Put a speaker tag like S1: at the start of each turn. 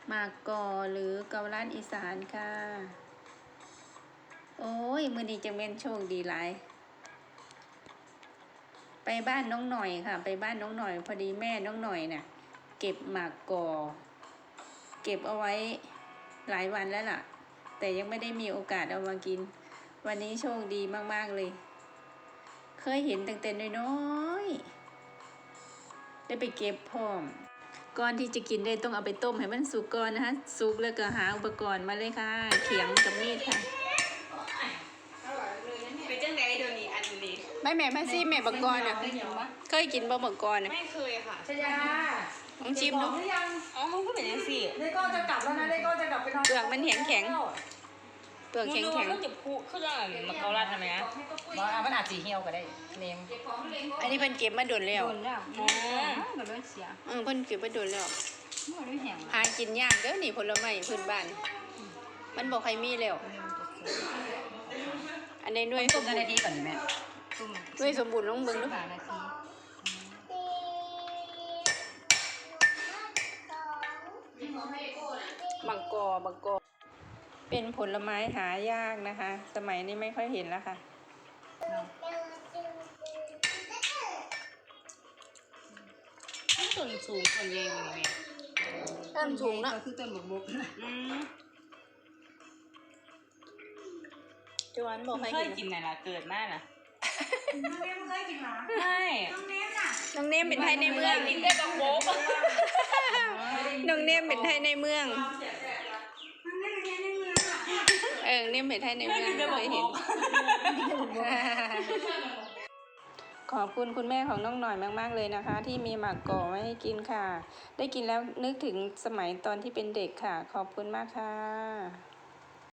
S1: หมากกอหรือเกาลัดอีสานค่ะโอ้ยมื้อนี้จะเป็นโชคดีหลายไปบ้านน้องหน่อยค่ะไปบ้านน้องหน่อยพอดีแม่น้องหน่อยน่ะเก็บหมากกอเก็บเอาไว้หลายวันแล้วล่ะแต่ยังไม่ได้มีโอกาสเอามากินวันนี้โชคดีมากๆเลยเคยเห็นตั้งแต่น้อยๆได้ไปเก็บพร้อมก่อนที่จะกินได้ต้องเอาไปต้มให้มันสุกก่อนนะคะสุกแล้วก็หาอุปกรณ์มาเลยค่ะเขียงกับมีดค่ะ
S2: เป็นจังไดเดี๋ยวนี้อันนี้
S1: ไม่แม่มาซิแม่บักกอนอ่ะเคยกินบ่บักกอนอ่ะ
S2: ไม่เคยค่ะ
S3: ชยา
S1: ลองชิมดู
S3: หรือยัง
S2: อ๋อมันก็เป็นยังสิ
S3: เลโก้จะกลับแล้วนะเลโก้จะกลับไปนอน
S1: เปลือกมันแข็งแข็งเปลือกแข็งแข็ง
S2: ก็จะพูดเขาจะมาเกาลัดทำไมอ่ะ
S3: มันอาจสีเหี่ยวก็ได้เนม
S1: อันนี้เพิ่นเก็บมาโดนแล้ว
S2: โดนแล้วอ๋อมันไม่เสีย
S1: เพิ่นเก็บมาโดนแล้ว
S2: มันไม่แห้ง
S1: หากินยากเด้อนี่ผลไม้พื้นบ้านมันบ่ใครมีแล้วอันนี้ด้วยส
S3: ต้
S1: ม
S3: ม
S1: บูร
S3: นา
S1: ณ์
S3: ทีก่อนแม่
S1: ด้วยสมบูรณ์ลองเบิ่งดู
S2: 3 นาที
S1: บักกอเป็นผลไม้หายากนะคะ สมัยนี้ไม่ค่อยเห็นแล้วค่ะ
S2: ต้นสูงต้นใหญ่กว่านี้
S1: ต้นสูงเนาะ
S3: คือต้นบก
S1: จวนบ่ใคร
S2: เคย
S1: กิ
S2: กิ
S1: น
S2: นไหนล่ะเกิดมากนะ
S3: น้องเนมเคยกินหรอ
S2: ไม่
S3: น้องเนมน่ะ
S1: น้องเนมเป็นไทยในเมือง
S2: กินได้บักโบก
S1: น้องเนมเป็นไทยในเมือง
S3: น้องเนมเป็นไงในเมืองอ่ะ
S1: เนมเป็นไทยในเมืองเคยเห็น ขอบคุณคุณแม่ของน้องหน่อยมากๆเลยนะคะ ที่มีหมากกอไว้ให้กินค่ะ ได้กินแล้วนึกถึงสมัยตอนที่เป็นเด็กค่ะ ขอบคุณมากค่ะ